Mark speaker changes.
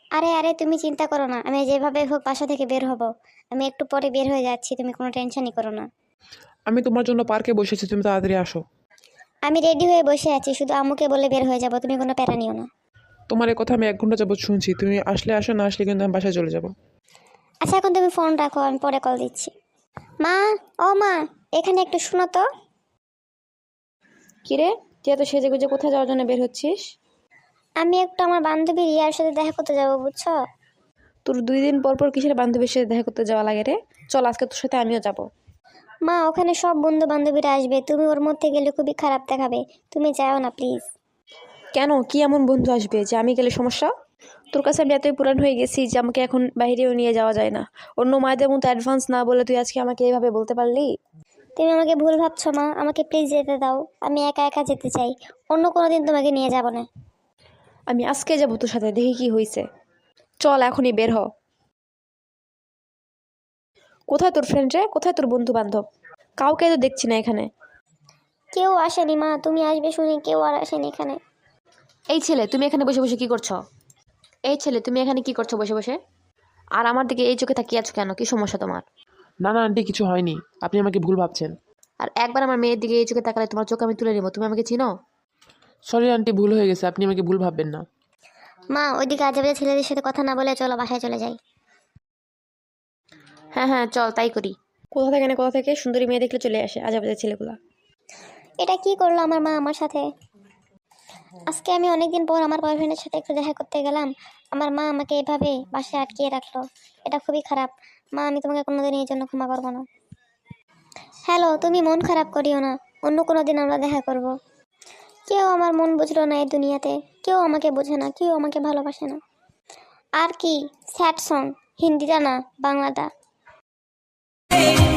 Speaker 1: আরে আরে তুমি চিন্তা করো না, আমি যেভাবে হোক বাসা থেকে বের হব। আমি একটু পরে বের হয়ে যাচ্ছি, তুমি কোনো টেনশনই করো না।
Speaker 2: আমি তোমার জন্য পার্কে বসেছি, তুমি তাড়াতাড়ি আসো।
Speaker 1: আমি রেডি হয়ে বসে আছি, শুধু আম্মুকে বলে বের হয়ে যাব, তুমি কোনো প্যারা নিও না।
Speaker 2: তোমার এই কথা আমি 1 ঘন্টা যাবত শুনছি, তুমি আসলে আসো, না আসলে কিন্তু আমি বাসায় চলে যাব।
Speaker 1: আচ্ছা এখন তুমি ফোন রাখো, আমি পরে কল দিচ্ছি। মা, ও মা, এখানে একটু শুনো তো।
Speaker 3: কিরে, তুই এত সেজে গুজে কোথায় যাওয়ার জন্য বের হচ্ছিস?
Speaker 1: আমি একটু আমার বান্ধবী রিয়ার সাথে দেখা করতে যাবো, বুঝছো?
Speaker 3: তোর 2 দিন পর পর কিসের বান্ধবীর সাথে দেখা করতে যাওয়া লাগে রে? চল আজকে তোর সাথে আমিও যাব।
Speaker 1: মা, ওখানে সব বন্ধু বান্ধবীরা আসবে, তুমি ওর মধ্যে গেলে খুবই খারাপ দেখাবে। তুমি যাও না প্লিজ।
Speaker 3: কেন, কি এমন বন্ধু আসবে যে আমি গেলে সমস্যা? তোর কাছে আমি এতই পুরান হয়ে গেছি যে আমাকে এখন বাইরেও নিয়ে যাওয়া যায় না। অন্য মায়েদের মতো অ্যাডভান্স না বলে তুই আজকে আমাকে এইভাবে বলতে পারলি?
Speaker 1: তুমি আমাকে ভুল ভাবছো মা, আমাকে প্লিজ যেতে দাও। আমি একা একা যেতে চাই, অন্য কোনো দিন তোমাকে নিয়ে যাব না।
Speaker 3: আমি আজকে যাবো তোর সাথে, দেখি কি হয়েছে। চল এখনই বের হ। কোথায় তোর ফ্রেন্ড রে, কোথায় তোর বন্ধু বান্ধব? কাউকে তো দেখছি না এখানে।
Speaker 1: কেউ আসেনি মা, তুমি আসবে শুনে কেউ আর আসেনি এখানে।
Speaker 3: এই ছেলে, তুমি এখানে বসে বসে কি করছো? এই ছেলে, তুমি এখানে কি করছো বসে বসে? আর আমার দিকে এই চোখে তাকিয়ে আছো কেন? কি সমস্যা তোমার?
Speaker 2: না না আন্টি, কিছু হয়নি, আপনি আমাকে ভুল ভাবছেন।
Speaker 3: আর একবার আমার মেয়ের দিকে এই চোখে তাকালে তোমার চোখ আমি তুলে নেবো। তুমি আমাকে চিনো?
Speaker 2: সরি আন্টি, ভুল হয়ে গেছে, আপনি আমাকে ভুল ভাববেন না।
Speaker 1: মা, ওইদিকে আজে বাজে ছেলেদের সাথে কথা না বলে চলো বাসায় চলে যাই।
Speaker 3: হ্যাঁ হ্যাঁ, চল তাই করি। কোথা থেকে না কোথা থেকে সুন্দরী মেয়ে দেখলে চলে আসে আজেবাজে ছেলেগুলা।
Speaker 1: এটা কি করলো আমার মা আমার সাথে? আজকে আমি অনেকদিন পর আমার বয়ফ্রেন্ডের সাথে একটু দেখা করতে গেলাম, আমার মা আমাকে এভাবে বাসায় আটকিয়ে রাখলো। এটা খুবই খারাপ। মা, আমি তোমাকে কোনোদিন এই জন্য ক্ষমা করবো না। হ্যালো, তুমি মন খারাপ করিও না, অন্য কোনো দিন আমরা দেখা করব। কেউ আমার মন বুঝলো না এই দুনিয়াতে, কেউ আমাকে বোঝে না, কেউ আমাকে ভালোবাসে না। আর কি স্যাড সং, হিন্দিটা না বাংলাটা।